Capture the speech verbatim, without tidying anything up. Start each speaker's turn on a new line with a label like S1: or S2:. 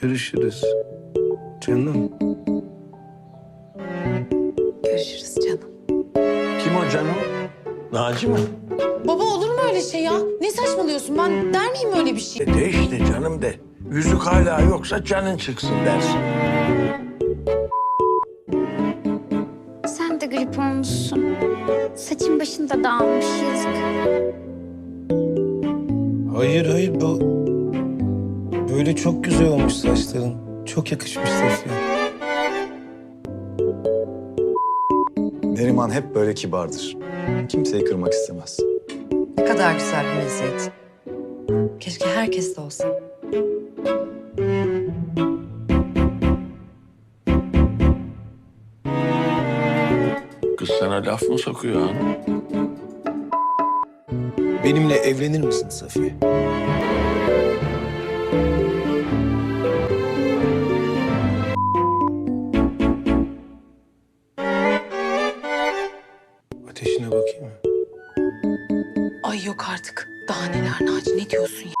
S1: Görüşürüz. Canım.
S2: Görüşürüz canım.
S3: Kim o canım? Naci mi?
S2: Baba olur mu öyle şey ya? Ne saçmalıyorsun? Ben der miyim öyle bir şey?
S3: E de işte canım de. Yüzük hala yoksa canın çıksın dersin.
S4: Sen de grip olmuşsun. Saçın başın da dağılmış, yazık.
S1: Hayır hayır bu... Böyle çok güzel olmuş saçların. Çok yakışmış Safiye.
S5: Neriman hep böyle kibardır. Kimseyi kırmak istemez.
S6: Ne kadar güzel bir meziyet. Keşke herkes de olsa.
S3: Kız sana laf mı sokuyor hanım?
S1: Benimle evlenir misin Safiye? Ateşine bakayım mı?
S2: Ay yok artık. Daha neler Naci, ne diyorsun ya?